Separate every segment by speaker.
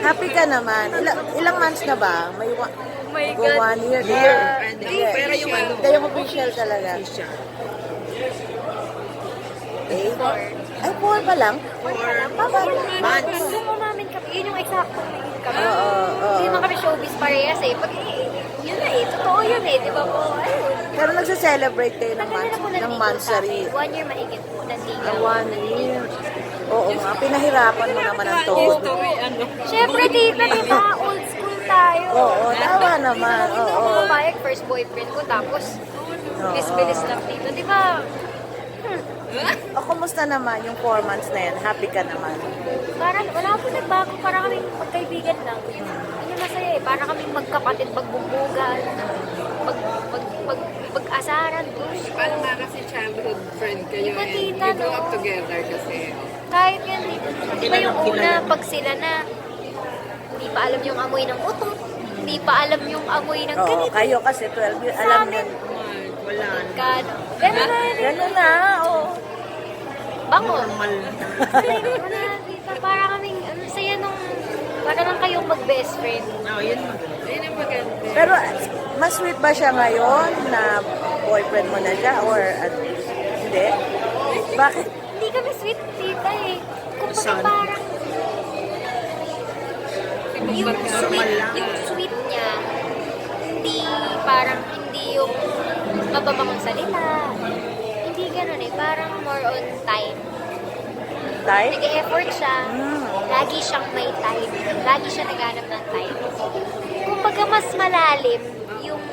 Speaker 1: Happy ka naman. Ilang months na ba? May
Speaker 2: Oh my
Speaker 1: go
Speaker 2: God.
Speaker 1: 1 year.
Speaker 3: Pero yung ano,
Speaker 1: Hindi, yung official talaga. Okay. Ay, 4 pa lang?
Speaker 2: Nung umamin kami, yun yung exact kami.
Speaker 1: Oo.
Speaker 2: Hindi naman kami showbiz parehas eh. Pag yun na eh, totoo yun eh, di ba po? Ayun.
Speaker 1: Pero nagsa-celebrate kayo ng,
Speaker 2: Tagal na po
Speaker 1: ng
Speaker 2: nandito
Speaker 1: monthsary.
Speaker 2: sa akin. 1 year mahigit po nandito.
Speaker 1: 1 year. Oo nga, pinahirapan mo naman ang todo.
Speaker 2: Siyempre, tita, di ba? Old school tayo.
Speaker 1: Oo, tawa naman.
Speaker 2: Hindi ako
Speaker 1: Oo.
Speaker 2: mapapayag, first boyfriend ko, tapos bilis lang dito. Di ba?
Speaker 1: O, kumusta naman yung 4 months na yan? Happy ka naman?
Speaker 2: Parang wala po nagbago, para kaming magkaibigan lang. Ano masaya eh, para kaming magkapatid, magbubugan, mag-asaran, gusto.
Speaker 3: Paano nga kasi childhood friend kayo
Speaker 2: Iba,
Speaker 3: and
Speaker 2: tita,
Speaker 3: you grew
Speaker 2: no?
Speaker 3: up together kasi.
Speaker 2: Kahit yan, di ba yung una, pag sila na, hindi pa alam yung amoy ng utot, hindi pa alam yung amoy ng
Speaker 1: Oo,
Speaker 2: ganito.
Speaker 1: kayo kasi 12 years,
Speaker 2: Sa
Speaker 1: alam
Speaker 2: amin,
Speaker 1: yun.
Speaker 3: Wala.
Speaker 2: Kano. Ganun na rin.
Speaker 1: Gano'n na, oo.
Speaker 2: Bango. Wala, tita, para kaming, ano, saya nung, para lang kayong mag-best friend.
Speaker 3: Yun ang maganda.
Speaker 1: Pero mas sweet ba siya ngayon na boyfriend mo na siya or hindi? Bakit?
Speaker 2: Hindi kami sweet, tita eh. Kumbaga
Speaker 3: Saan?
Speaker 2: parang, yung sweet niya, hindi parang, hindi yung mababangong salita. Hindi ganun eh, parang more on time.
Speaker 1: Type?
Speaker 2: Nag-e-effort siya, lagi siyang may time. Lagi siya naghanap ng time. Kumbaga mas malalim yung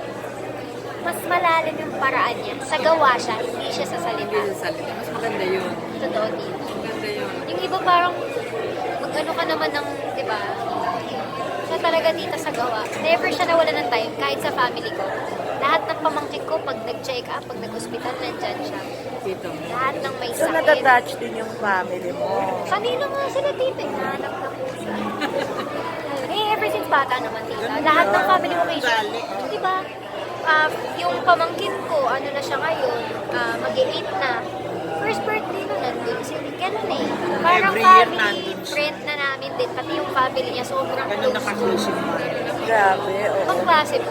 Speaker 2: paraan niya. Sa gawa siya, hindi siya sa salita.
Speaker 3: Mas maganda yun.
Speaker 2: Totoo din.
Speaker 3: Maganda yun.
Speaker 2: Yung iba parang mag-ano ka naman ng, di ba? Siya talaga dito sa gawa. Never siya nawala ng time, kahit sa family ko. Lahat ng pamangkin ko, pag nag-check up, pag nag-hospital, nandyan siya.
Speaker 3: Dito.
Speaker 2: Lahat ng may
Speaker 1: So,
Speaker 2: sakit.
Speaker 1: natatouch din yung family mo.
Speaker 2: Kanina nga sila tita, hinahanap na po siya. Ever since bata naman tita. Lahat ng family ko may siya. Di ba? Yung pamangkin ko, ano na siya ngayon, mag-8 na. First birthday na nandun sila. Ganun eh. Parang
Speaker 3: Every year
Speaker 2: family,
Speaker 3: nandun siya.
Speaker 2: friend na namin din. Pati yung family niya, sobrang
Speaker 3: Ganun
Speaker 2: close.
Speaker 3: naka-close yung mga.
Speaker 1: Grabe, oo.
Speaker 2: Ibang klase